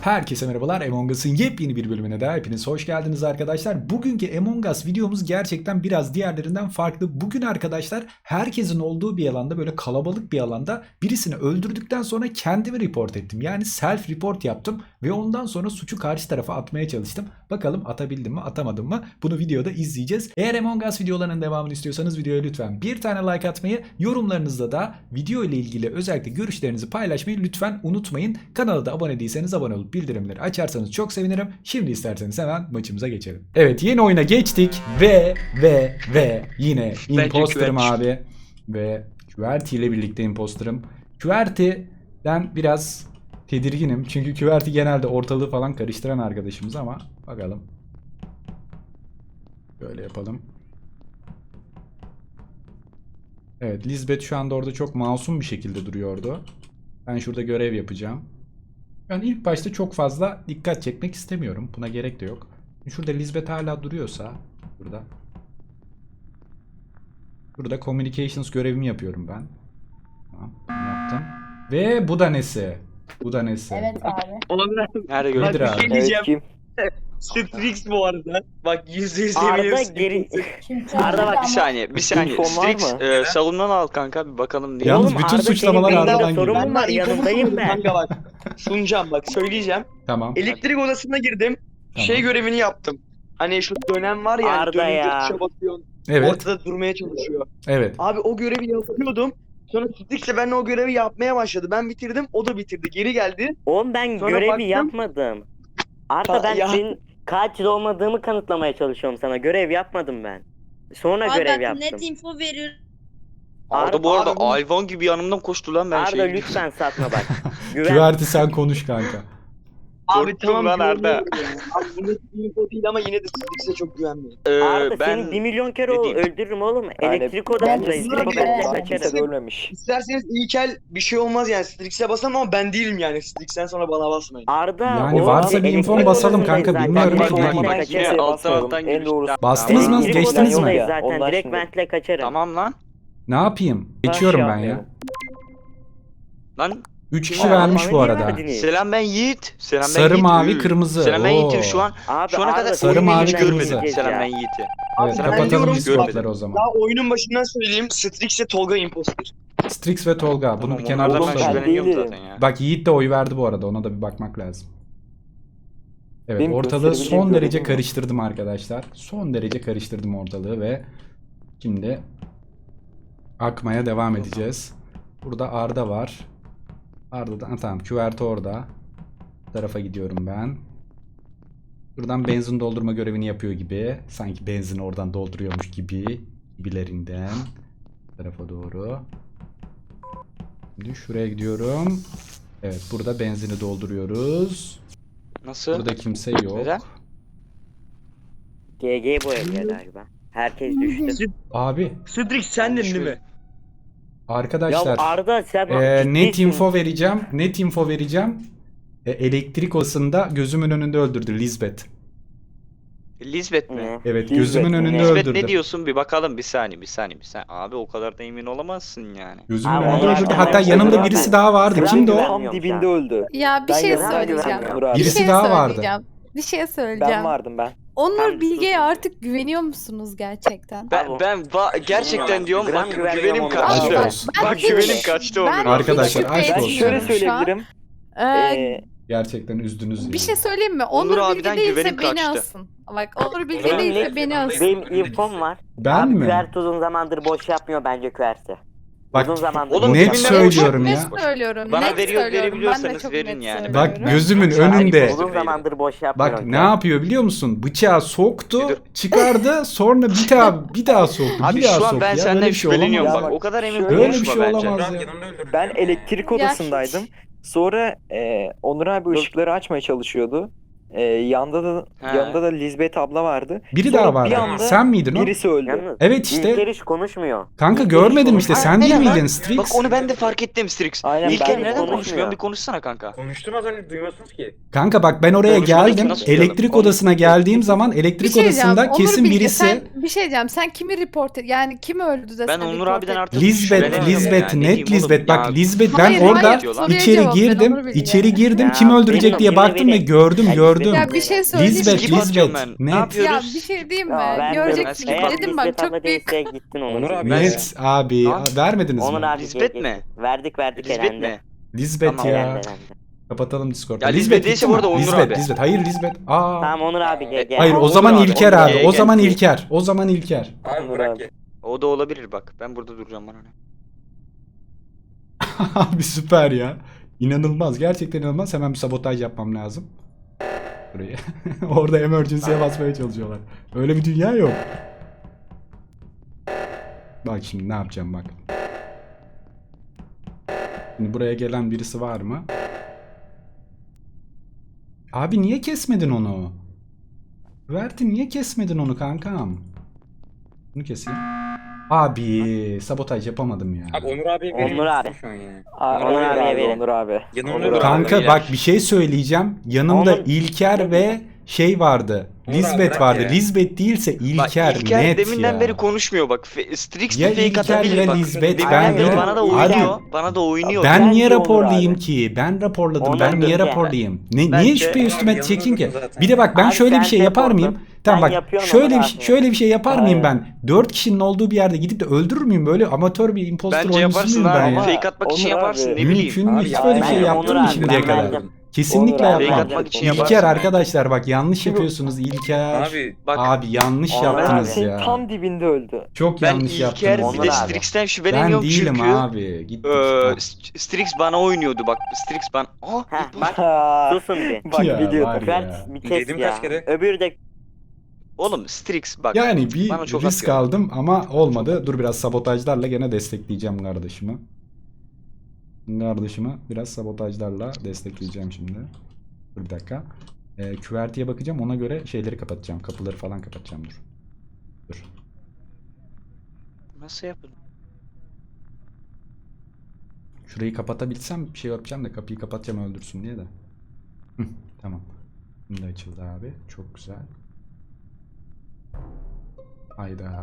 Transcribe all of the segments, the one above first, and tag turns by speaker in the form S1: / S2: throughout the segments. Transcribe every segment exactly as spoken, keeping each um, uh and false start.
S1: Herkese merhabalar. Among Us'ın yepyeni bir bölümüne daha hepiniz hoş geldiniz arkadaşlar. Bugünkü Among Us videomuz gerçekten biraz diğerlerinden farklı. Bugün arkadaşlar herkesin olduğu bir alanda, böyle kalabalık bir alanda birisini öldürdükten sonra kendimi report ettim. Yani self report yaptım ve ondan sonra suçu karşı tarafa atmaya çalıştım. Bakalım atabildim mi atamadım mı, bunu videoda izleyeceğiz. Eğer Among Us videolarının devamını istiyorsanız videoya lütfen bir tane like atmayı, yorumlarınızda da video ile ilgili özellikle görüşlerinizi paylaşmayı lütfen unutmayın. Kanala da abone değilseniz abone olup bildirimleri açarsanız çok sevinirim. Şimdi isterseniz hemen maçımıza geçelim. Evet, yeni oyuna geçtik ve ve ve yine imposterım abi. Ve QWERTY ile birlikte imposterım. QWERTY'den biraz tedirginim. Çünkü QWERTY genelde ortalığı falan karıştıran arkadaşımız ama bakalım. Böyle yapalım. Evet, Lisbeth şu anda orada çok masum bir şekilde duruyordu. Ben şurada görev yapacağım. Ben ilk başta çok fazla dikkat çekmek istemiyorum. Buna gerek de yok. Şurada Lisbeth hala duruyorsa burada. Burada communications görevimi yapıyorum ben. Tamam, bunu yaptım. Ve bu da nesi? Bu da nesi?
S2: Evet abi.
S3: Onur
S1: Nerede
S3: bak
S1: gördün
S3: bir
S1: abi?
S3: şey diyeceğim.
S4: Evet,
S3: Strix bu arada. Bak yüzde yüz
S4: Arda
S3: eminim.
S4: geri...
S2: Şimdi
S4: Arda bak
S2: ama-
S5: Bir saniye, bir saniye.
S4: İnfon var
S5: Strix
S4: mı?
S5: e, salondan al kanka, bir bakalım diye.
S1: Yalnız
S4: Oğlum,
S1: bütün
S4: Arda
S1: suçlamalar
S4: senin beyninde
S1: Arda'dan
S4: sorun
S1: geliyor.
S4: mu var? Yanındayım ben.
S3: Kanka bak. Sunacağım bak söyleyeceğim.
S1: Tamam.
S3: Elektrik odasına girdim.
S1: Tamam.
S3: Şey görevini yaptım. Hani şu dönem var ya. hani
S4: Arda
S3: dönünce
S4: ya.
S3: tuşa basıyorsun.
S1: Evet.
S3: Ortada durmaya çalışıyor.
S1: Evet.
S3: Abi o görevi yapıyordum. Sonra Strix de benimle o görevi yapmaya başladı. Ben bitirdim. O da bitirdi. Geri geldi.
S4: Oğlum ben
S3: Sonra
S4: görevi
S3: baktım.
S4: yapmadım. Arda
S3: Ha,
S4: ben
S3: ya.
S4: senin katil olmadığımı kanıtlamaya çalışıyorum sana. Görev yapmadım ben. Sonra
S6: Abi
S4: görev
S6: bak
S4: yaptım.
S6: net info veriyor.
S5: Arda bu arada
S3: Abi bu-
S5: hayvan gibi yanımdan koştu lan, ben
S4: Arda
S5: şey.
S4: lütfen satma bak. Güven.
S1: QWERTY sen konuş kanka.
S3: Abi
S5: Korktum
S3: tamam.
S5: lan Arda.
S3: güveniyorum ya. Abi bu net bir info değil ama yine de Strix'e çok güvenmeyin.
S5: Ee,
S4: Arda
S5: ben
S4: seni bir milyon kere o
S5: dediğim-
S4: öldürürüm oğlum.
S7: Yani
S4: Elektrik
S2: ben
S4: odasındayız.
S2: de-
S4: Direkt
S2: ben-
S4: ben
S2: ben-
S4: kaçarım.
S7: Kimse de ölmemiş.
S3: İsterseniz ilkel bir şey olmaz yani. Strix'e basarım ama ben değilim yani. Strix'ten sonra bana basmayın.
S4: Arda
S1: Yani
S4: o
S1: varsa bir infon
S4: elektrik
S1: basalım
S4: odasındayız
S1: kanka,
S4: zaten.
S1: bilmiyorum
S4: Direkt
S1: ki.
S4: ventle
S7: Olmadan
S4: kaçarım.
S7: kimseye
S5: Yine alttan
S7: basmayalım.
S5: alttan
S7: En
S5: girmiş.
S7: doğrusu.
S1: Bastınız mı?
S4: Elektrik
S1: Geçtiniz mi?
S4: odasındayız zaten.
S7: Ondan
S4: Direkt
S7: şimdi.
S4: ventle kaçarım.
S5: Tamam lan.
S1: Ne yapayım? Geçiyorum ben ya.
S5: Lan
S1: üç kişi
S4: Aa,
S1: vermiş
S4: bana
S1: bu
S4: niye
S1: arada.
S4: verdiniz?
S5: selam, ben Yiğit. Selam ben
S1: Sarı,
S5: Yiğit.
S1: mavi,
S5: Üü.
S1: kırmızı.
S5: Selam ben
S1: Oo.
S5: Yiğit'im şu an.
S4: Abi,
S5: Şu ana
S4: Arda,
S5: kadar
S1: Sarı,
S5: oyunu
S1: mavi,
S5: hiç
S1: kırmızı.
S5: görmedim. Selam ben
S4: ya.
S5: Yiğit'i.
S1: Evet,
S3: Ben
S1: kapatalım
S3: diyorum,
S1: Discord'ları o zaman.
S3: Daha oyunun başından söyleyeyim. Strix'e Tolga imposter.
S1: Strix ve Tolga. Bunu
S5: Tamam,
S1: bir kenarda
S5: onlardan ben
S7: tutalım.
S1: tutalım.
S5: şüpheleniyorum
S7: Ben
S5: zaten ya.
S1: Bak, Yiğit de oy verdi bu arada. Ona da bir bakmak lazım. Evet,
S7: Benim
S1: ortalığı
S7: gösterebileceğim
S1: son
S7: bir
S1: derece
S7: görevim var.
S1: karıştırdım arkadaşlar. Son derece karıştırdım ortalığı ve şimdi akmaya devam edeceğiz. Burada Arda var. Arda'dan ha, tamam, QWERTY orada. Bu tarafa gidiyorum ben. Buradan benzin doldurma görevini yapıyor gibi. Sanki benzin oradan dolduruyormuş gibi. Gibilerinden. Bu tarafa doğru. Şimdi şuraya gidiyorum. Evet, burada benzini dolduruyoruz.
S5: Nasıl?
S1: Burada kimse yok.
S5: Neden?
S4: G G bu evde galiba. Herkes düştü.
S1: Abi
S3: Strix sendin değil mi?
S4: Ya
S1: arkadaşlar
S4: Arda sen
S1: e, net
S4: ciddisin.
S1: info vereceğim. Net info vereceğim. E, elektrik odasında gözümün önünde öldürdü Lisbeth.
S5: Lisbeth mi?
S4: Hı.
S1: Evet,
S7: Lisbeth
S1: gözümün
S7: mi?
S1: önünde
S5: Lisbeth
S1: öldürdü.
S5: ne diyorsun, bir bakalım, bir saniye bir saniye bir saniye. Abi o kadar da emin olamazsın yani.
S1: Gözümün
S4: Abi,
S1: önünde
S4: onlar
S1: öldürdü.
S4: da-
S1: Hatta
S4: onlar
S1: yanımda
S4: da-
S1: birisi daha vardı.
S4: Sıra
S1: Kimdi o?
S4: güven-
S7: Tam dibinde öldü.
S6: Ya bir
S7: Ben
S6: şey
S7: yanına
S6: söyleyeceğim.
S7: güvenmiyorum abi.
S6: Bir
S1: Birisi
S6: şey
S1: daha vardı.
S6: söyleyeceğim. Bir şey
S7: Ben
S6: söyleyeceğim.
S7: vardım ben.
S6: Onur
S4: Tamam,
S6: Bilge'ye
S4: sus.
S6: artık güveniyor musunuz gerçekten?
S5: Ben
S4: Abi,
S5: ben va- gerçekten diyorum,
S4: gram
S5: bak
S4: güvenmiyorum
S5: güvenim
S4: ona.
S5: kaçtı.
S1: Aşk olsun.
S6: Ben
S5: Bak
S6: hiç-
S5: güvenim kaçtı
S6: ben
S5: Onur'a.
S1: Arkadaşlar,
S6: hiç
S1: aşk
S6: şüphe
S1: olsun.
S7: Ben şöyle
S6: etmiyorum şu an.
S7: söyleyebilirim.
S6: Ee,
S7: Ee,
S1: Gerçekten üzdünüz.
S6: bir
S1: yani.
S6: şey söyleyeyim mi?
S5: Onur
S6: Onur Bilge
S5: abiden
S6: değilse
S5: güvenim
S6: beni
S5: kaçtı.
S6: asın. Bak Onur Bilge
S4: Benim,
S6: değilse beni asın.
S4: benim infom var.
S1: Ben
S4: Abi,
S1: mi?
S4: QWERTY uzun zamandır boş yapmıyor bence QWERTY.
S1: Bak,
S4: Uzun zamandır
S5: oğlum,
S4: boş
S1: net
S4: yapmıyor.
S1: söylüyorum
S6: Net
S1: ya.
S6: söylüyorum.
S5: Bana
S6: net
S5: veriyor-
S6: söylüyorum.
S5: verebiliyorsanız
S6: Ben de çok
S5: verin
S6: net
S5: yani.
S6: söylüyorum.
S1: Bak, gözümün
S5: Sen
S1: önünde.
S4: Uzun zamandır boş yapmıyor.
S1: Bak ne yapıyor biliyor musun? Bıçağı soktu, çıkardı, sonra bir daha bir daha soktu.
S5: Abi
S1: bir daha
S5: şu an
S1: soktu
S5: ben
S1: ya.
S5: senden
S1: Böyle bir şey
S5: şüpheleniyorum
S1: olamaz.
S5: bak.
S7: Ya
S5: O kadar emin
S7: şöyle
S1: Böyle bir
S5: konuşma
S1: şey
S5: bence.
S1: olamaz ya.
S7: ben elektrik
S6: Ya
S7: odasındaydım. Sonra e, Onur abi ışıkları açmaya çalışıyordu.
S2: Ee, yanda da
S5: He.
S2: yanında da Lisbeth abla vardı.
S1: Biri
S2: Sonra
S1: daha
S2: bir
S1: vardı.
S2: anda
S1: Sen miydin o?
S2: Birisi öldü.
S4: Yalnız
S1: Evet işte.
S4: İlker hiç konuşmuyor.
S1: Kanka
S4: İlker
S1: görmedim
S4: hiç
S1: işte.
S4: konuşmuyor.
S1: Sen değil
S5: Aynen lan.
S1: miydin Strix?
S5: Bak onu ben de fark ettim Strix.
S2: Aynen,
S5: İlker
S2: ben de
S5: neden
S4: konuşmuyor.
S5: konuşmuyor? Bir konuşsana kanka.
S7: Konuştum az önce duymuyorsunuz ki.
S1: Kanka bak ben oraya
S5: Konuşmadı ki,
S1: geldim.
S5: nasıl duyalım?
S1: Elektrik
S5: Konuş-
S1: odasına geldiğim zaman
S6: Bir
S1: elektrik
S6: şey diyeceğim.
S1: odasında
S6: Onur
S1: kesin
S6: Bilge,
S1: birisi
S6: Sen, bir şey diyeceğim. Sen kimi report et? Yani kim öldü de
S5: Ben
S6: sen
S5: Onur
S6: report
S5: abiden
S6: et-
S5: artık
S1: Lisbeth,
S5: şüpheleniyorum
S1: Lisbeth,
S5: ya. Ne
S1: net
S5: diyeyim oğlum
S1: Lisbeth. Bak
S5: ya?
S1: Lisbeth ben
S6: Hayır,
S1: orada
S6: hayır, soruya
S1: içeri
S6: cevap ver,
S1: girdim.
S6: Onur Bilge.
S1: içeri girdim.
S4: Ya,
S1: Kim öldürecek
S4: benim
S1: diye
S4: yemin
S1: baktım ve
S4: ederim.
S1: gördüm,
S4: Ya,
S1: gördüm.
S6: Ya bir şey söyleyeyim
S1: Lisbeth,
S6: mi?
S5: Skip atıyorum
S1: Lisbeth.
S5: ben. Ne
S1: Net.
S5: yapıyoruz?
S6: Ya bir şey diyeyim mi?
S2: Ya,
S4: Ben
S6: Göreceksin.
S5: ben-
S4: Eğer
S6: Dedim bak
S4: Lisbeth abla
S6: çok büyük.
S4: değilse gittin Onur.
S7: Onur abi.
S1: Net abi.
S5: Lan.
S1: Vermediniz
S4: Onur
S1: mi?
S4: abi
S5: Lisbeth
S4: gel-
S5: mi?
S4: Verdik verdik
S5: Lisbeth
S4: elendi.
S5: mi?
S1: Lisbeth
S5: Tamam.
S1: ya.
S4: Elendi, elendi.
S1: Kapatalım Discord'da.
S5: Ya
S1: Lisbeth
S5: Lisbeth değilse
S1: gitti
S5: bu
S1: mi?
S5: arada Onur
S1: Lisbeth,
S5: abi.
S1: Lisbeth. Hayır Lisbeth. Aa.
S4: Tamam Onur abi gel gel.
S1: Hayır o
S5: Onur
S1: zaman
S5: abi,
S1: İlker
S5: Onur
S1: abi.
S5: abi,
S1: O
S5: gel.
S1: zaman İlker. O zaman İlker.
S7: Abi
S2: Onur
S7: bırak
S2: abi.
S7: ya.
S5: O da olabilir bak. Ben burada duracağım bana ne.
S1: Abi süper ya. İnanılmaz. Gerçekten inanılmaz. Hemen bir sabotaj yapmam lazım. Burayı. Orada emergency'ye basmaya çalışıyorlar. Öyle bir dünya yok. Bak şimdi ne yapacağım bak. Şimdi buraya gelen birisi var mı? Abi niye kesmedin onu? Verti niye kesmedin onu kankam? Bunu keseyim. Abi sabotaj yapamadım ya.
S7: Abi Onur abiye verir
S4: Onur
S7: misin
S4: abi.
S7: şu an ya?
S2: Aa,
S4: Onur
S2: Onur
S4: abiye
S2: abi,
S4: verin.
S2: Onur abi.
S7: Yanımda
S2: Onur
S7: dur
S2: abi.
S1: Kanka
S5: Beyler.
S1: bak bir şey söyleyeceğim. Yanımda
S4: Onun-
S1: İlker ve şey vardı.
S7: Onur
S1: Lisbeth
S7: abi bırak
S1: vardı.
S7: ya.
S1: Lisbeth değilse
S5: Bak
S1: İlker,
S5: İlker
S1: net
S5: deminden
S1: ya.
S5: beri konuşmuyor bak. Fe- Strix
S1: Ya
S5: de fake
S1: İlker
S5: atabilir
S1: ya
S5: bak.
S1: Lisbeth,
S5: Deminden
S1: ben
S5: beri
S1: de-
S5: bana da
S1: Abi-
S5: oynuyor. Bana da oynuyor.
S1: Ben
S2: Bence
S1: niye
S2: Onur
S1: raporlayayım
S2: abi.
S1: ki? Ben raporladım.
S4: Onur
S1: ben niye
S4: Bilge.
S1: raporlayayım? Ne, niye
S5: Bence-
S1: şüphe
S7: Onur
S1: üstüme
S7: abi
S1: çekeyim ki?
S7: yanında zaten.
S1: Bir de bak ben
S4: Abi
S1: şöyle
S4: sen
S1: bir şey yapar
S4: raporla.
S1: mıyım? Tamam
S4: Sen
S1: bak
S4: yapıyorsun
S1: şöyle
S4: Onur
S1: bir
S4: abi.
S1: şöyle bir şey yapar mıyım
S2: Aynen.
S1: ben? Dört kişinin olduğu bir yerde gidip de öldürür müyüm? Böyle amatör bir imposter
S5: Bence
S1: oyuncusu
S5: yaparsın
S1: muyum ben
S5: abi.
S1: ya?
S2: Ama-
S5: Fake atmak için
S2: Onur
S5: yaparsın
S2: abi.
S5: ne bileyim.
S1: Mümkün mü?
S7: Abi
S1: Hiç
S7: ya,
S1: böyle bir
S2: ben
S1: şey
S2: Onur
S1: yaptım mı
S2: abi,
S1: şimdiye
S4: ben
S1: kadar?
S4: verdim.
S1: Kesinlikle
S2: Onur abi,
S1: yapmam.
S5: Fake atmak için
S1: İlker
S5: yaparsın.
S1: arkadaşlar bak yanlış
S2: Şimdi-
S1: yapıyorsunuz İlker.
S7: Abi
S5: Bak
S1: Abi yanlış
S4: Onur
S1: yaptınız
S2: Senin
S1: ya.
S2: tam dibinde öldü.
S1: Çok
S5: ben
S1: yanlış
S5: İlker
S1: yaptınız.
S5: bir
S4: Onur
S5: de
S1: ya.
S4: abi.
S5: Strix'ten
S1: Ben
S5: şüpheleniyorum
S1: değilim
S5: çünkü.
S1: abi. Gittik.
S5: Eee Strix bana oynuyordu bak. Strix ben. Aa,
S4: Heh bak
S2: Ha,
S4: susun bir.
S2: Bak
S1: Ya,
S2: biliyordum.
S1: var ya.
S4: Kıvert bir test
S7: Dedim
S4: ya.
S7: kaç kere?
S4: Öbürü de
S5: oğlum Strix bak.
S1: Yani bir
S5: bana çok
S1: risk
S5: atıyor.
S1: aldım ama olmadı. Dur biraz sabotajlarla gene destekleyeceğim kardeşimi. Kardeşimi biraz sabotajlarla destekleyeceğim şimdi. Dur bir dakika. Ee, küvertiye bakacağım. Ona göre şeyleri kapatacağım. Kapıları falan kapatacağım. Dur. Dur.
S5: Nasıl yapın?
S1: Şurayı kapatabilsem bir şey yapacağım da kapıyı kapatacağım öldürsün diye de. Hı, tamam. Şimdi açıldı abi. Çok güzel. Hayda.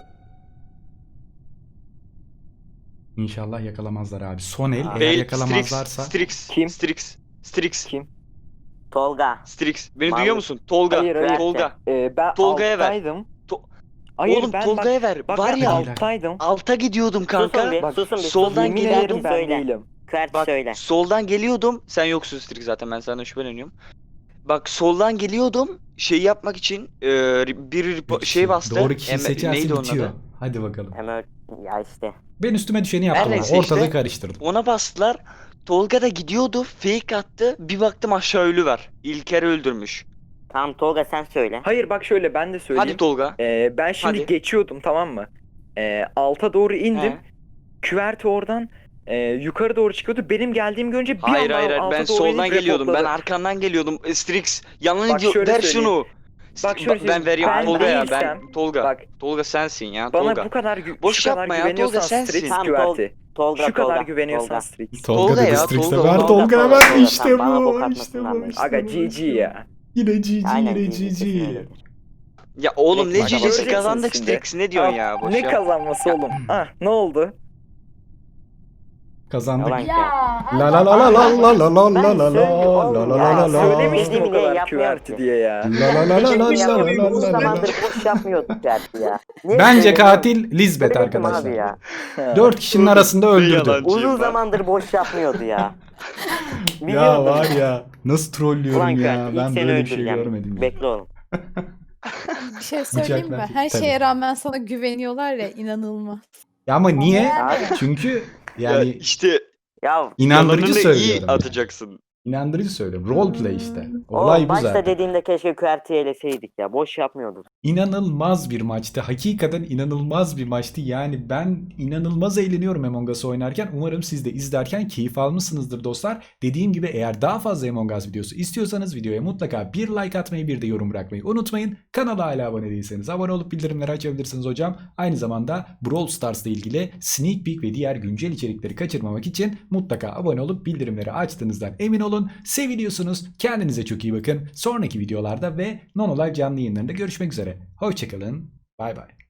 S1: İnşallah yakalamazlar abi. Son el eğer
S5: Bey, Strix,
S1: yakalamazlarsa.
S5: Strix,
S2: Kim?
S5: Strix, Strix,
S2: Kim?
S4: Tolga.
S5: Strix. Beni
S4: Vallahi-
S5: duyuyor musun? Tolga,
S2: Hayır, hayır.
S5: Tolga.
S2: Ee, ben
S5: Tolga'ya ver.
S2: alttaydım.
S5: To-
S2: Hayır,
S5: Oğlum
S2: ben
S5: Tolga'ya
S2: bak,
S5: ver.
S2: bak
S5: Var
S2: ben
S5: ya
S2: alttaydım.
S5: alta gidiyordum
S4: Susun
S5: kanka.
S4: bir,
S2: Bak,
S4: susun bir.
S5: soldan
S2: Yemin
S5: geliyordum,
S2: ederim ben
S4: söyle.
S2: değilim.
S4: Kıvert
S5: Bak
S4: söyle.
S5: soldan geliyordum. Sen yoksun Strix zaten ben senden şüpheleniyorum. Bak soldan geliyordum. Şey yapmak için e, bir
S1: Bir
S5: ripo-
S1: kişi.
S5: şey bastı.
S1: Doğru kişiyi
S5: Em-
S1: seçersin
S5: neydi onun
S1: bitiyor.
S5: adı?
S1: Hadi bakalım.
S4: Hemen ya işte.
S1: Ben üstüme düşeni yaptım.
S5: Her
S1: abi.
S5: neyse
S1: Ortalığı
S5: işte.
S1: karıştırdım.
S5: Ona bastılar. Tolga da gidiyordu. Fake attı. Bir baktım aşağı ölü var. İlker öldürmüş.
S4: Tamam Tolga sen söyle.
S2: Hayır bak şöyle ben de söyleyeyim.
S5: Hadi Tolga.
S2: Ee, ben şimdi
S5: Hadi.
S2: geçiyordum, tamam mı? Ee, alta doğru indim.
S5: He.
S2: Küverte oradan e, yukarı doğru çıkıyordu. Benim geldiğimi görünce bir
S5: Hayır
S2: anda
S5: hayır hayır.
S2: alta
S5: Ben
S2: doğru
S5: soldan
S2: inip
S5: geliyordum. Ben
S2: reportladı.
S5: arkandan geliyordum. E, Strix yalan
S2: Bak
S5: ediyor.
S2: şöyle
S5: Ver
S2: söyleyeyim.
S5: şunu.
S2: Bak
S5: Ba-
S2: şöyle
S5: ben
S2: söyleyeyim.
S5: veriyorum
S2: Ben
S5: Tolga ya.
S2: değilsem-
S5: Ben Tolga.
S2: Bak
S5: Tolga sensin ya.
S2: bana
S5: Tolga.
S2: bu kadar gü-
S5: Boş
S2: şu kadar
S5: yapma ya,
S2: güveniyorsan
S5: Tolga sensin.
S2: Strix
S4: Tamam,
S2: güverti.
S4: Tolga
S2: Şu kadar
S4: Tolga.
S2: güveniyorsan
S4: Tolga.
S2: Strix.
S1: Tolga,
S5: Tolga
S1: dedi
S5: ya,
S1: Strix'e
S5: Tolga,
S1: ver
S4: Tolga,
S1: Tolga'ya
S4: Tolga,
S1: ver.
S4: Tolga.
S1: İşte
S4: Sen bana
S1: bu.
S4: bok
S1: İşte
S4: atmasınlar
S1: bu.
S4: beni.
S1: işte
S2: Aga
S1: bu,
S2: G G
S1: işte bu.
S2: ya.
S1: Yine G G
S4: Aynen
S1: yine
S4: kesin
S1: G G.
S4: öyledir.
S5: Ya oğlum ne
S1: Bak,
S5: cicisi
S2: göreceksiniz
S5: kazandık
S2: şimdi.
S5: Strix ne diyorsun
S2: Ah,
S5: ya? Boş
S2: ne
S5: yap.
S2: kazanması oğlum? Ah ne oldu?
S1: Kazandık.
S4: Yalan
S6: Ya.
S1: La la la la la la la la
S4: Ben
S1: la la
S4: söylüyorum
S1: la
S4: oğlum
S1: la
S4: ya.
S1: la la la.
S2: Söylemiştim
S4: Dediğimi
S2: o
S4: niye
S2: kadar
S4: yapmıyor
S2: küverti
S4: ki?
S2: diye ya.
S1: La la la la la
S4: Dediğimi
S1: la
S4: yapmıyor.
S1: la
S4: Uzun
S1: la la.
S4: zamandır boş yapmıyorduk belki ya. Niye
S1: Bence
S4: söylemiyorsun?
S1: katil Lisbeth
S4: Söyledim abi
S1: arkadaşlar.
S4: ya.
S2: Ha.
S1: Dört kişinin arasında öldürdü.
S5: Yalancı.
S4: Uzun
S5: bak.
S4: zamandır boş yapmıyordu ya.
S1: Ya
S4: Biliyordum.
S1: var ya nasıl trollüyorum
S4: Ulan
S1: ya.
S4: Kıvert ilk
S1: Ben
S4: seni
S1: böyle bir şey
S4: öldüreceğim.
S1: görmedim. ya.
S4: Bekle oğlum.
S6: Bir şey söyleyeyim mi?
S1: Bıçaklar-
S6: Her
S1: Tabii.
S6: şeye rağmen sana güveniyorlar ya, inanılmaz.
S1: Ya ama niye?
S4: Abi.
S1: Çünkü
S5: Ya
S1: yani
S5: işte
S4: Ya
S1: inandırıcı
S5: yalanını iyi
S1: söylüyorum. yani.
S5: atacaksın.
S1: İnandırıcı söyle. Roleplay işte. Olay
S4: O
S1: bu
S4: başta
S1: zaten.
S4: dediğimde keşke Q R T eleseydik ya. Boş yapmıyorduk.
S1: İnanılmaz bir maçtı. Hakikaten inanılmaz bir maçtı. Yani ben inanılmaz eğleniyorum Among Us oynarken. Umarım siz de izlerken keyif almışsınızdır dostlar. Dediğim gibi eğer daha fazla Among Us videosu istiyorsanız videoya mutlaka bir like atmayı, bir de yorum bırakmayı unutmayın. Kanala hala abone değilseniz abone olup bildirimleri açabilirsiniz hocam. Aynı zamanda Brawl Stars ile ilgili sneak peek ve diğer güncel içerikleri kaçırmamak için mutlaka abone olup bildirimleri açtığınızdan emin olun. Seviliyorsunuz. Kendinize çok iyi bakın. Sonraki videolarda ve Nonolive canlı yayınlarında görüşmek üzere. Hoşçakalın. Bay bay.